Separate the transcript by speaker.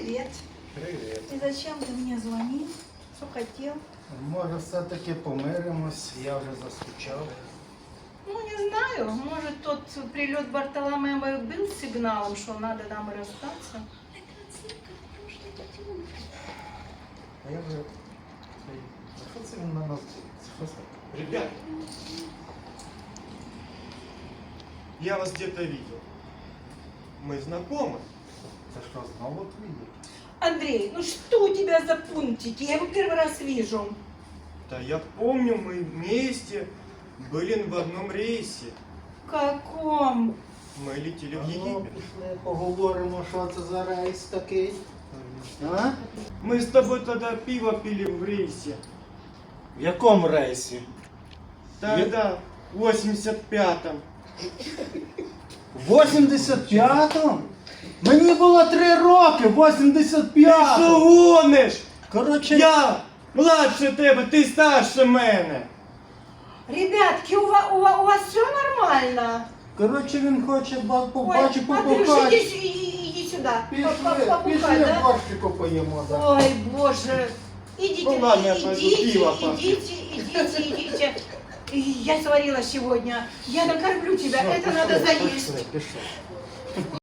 Speaker 1: Привет.
Speaker 2: Привіт.
Speaker 1: И зачем ты мне звонил? Что хотел?
Speaker 2: Може, все-таки помиримось, я вже заскучав.
Speaker 1: Ну, не знаю. Может, тот прилет Бартоломея был сигналом, что надо нам расстаться?
Speaker 2: А я вже... А що це він на нас дивиться? Що це?
Speaker 3: Ребят, я вас где-то видел. Мы знакомы.
Speaker 2: Це що, знову твій?
Speaker 1: Андрей, ну что у тебя за пунктики? Я его первый раз вижу.
Speaker 3: Да я помню, мы вместе были в одном рейсе.
Speaker 1: В каком?
Speaker 3: Мы летели в
Speaker 2: Ну,
Speaker 3: Египет.
Speaker 2: пішли, поговоримо, що це за рейс такий. А?
Speaker 3: Мы с тобой тогда пиво пили в рейсе.
Speaker 2: В якому рейсі?
Speaker 3: Тогда, в 85-м.
Speaker 2: В 85-му? Мені було 3 роки, в 85-му.
Speaker 3: Що гониш?
Speaker 2: Коротше,
Speaker 3: Я младше тебе, ти старше мене.
Speaker 1: Ребятки, у вас все нормально?
Speaker 2: коротше, він хоче побачити,
Speaker 1: Андрюш,
Speaker 2: побухати.
Speaker 1: иди сюда.
Speaker 2: Пішли,
Speaker 1: Побухать, да?
Speaker 2: борщику поїмо. Да.
Speaker 1: Ой, боже. Идите,
Speaker 3: Ну ладно, я пойду пиво попью.
Speaker 1: идите. Я сварила сегодня. Я накормлю тебя. Это надо заесть.
Speaker 2: Пішли.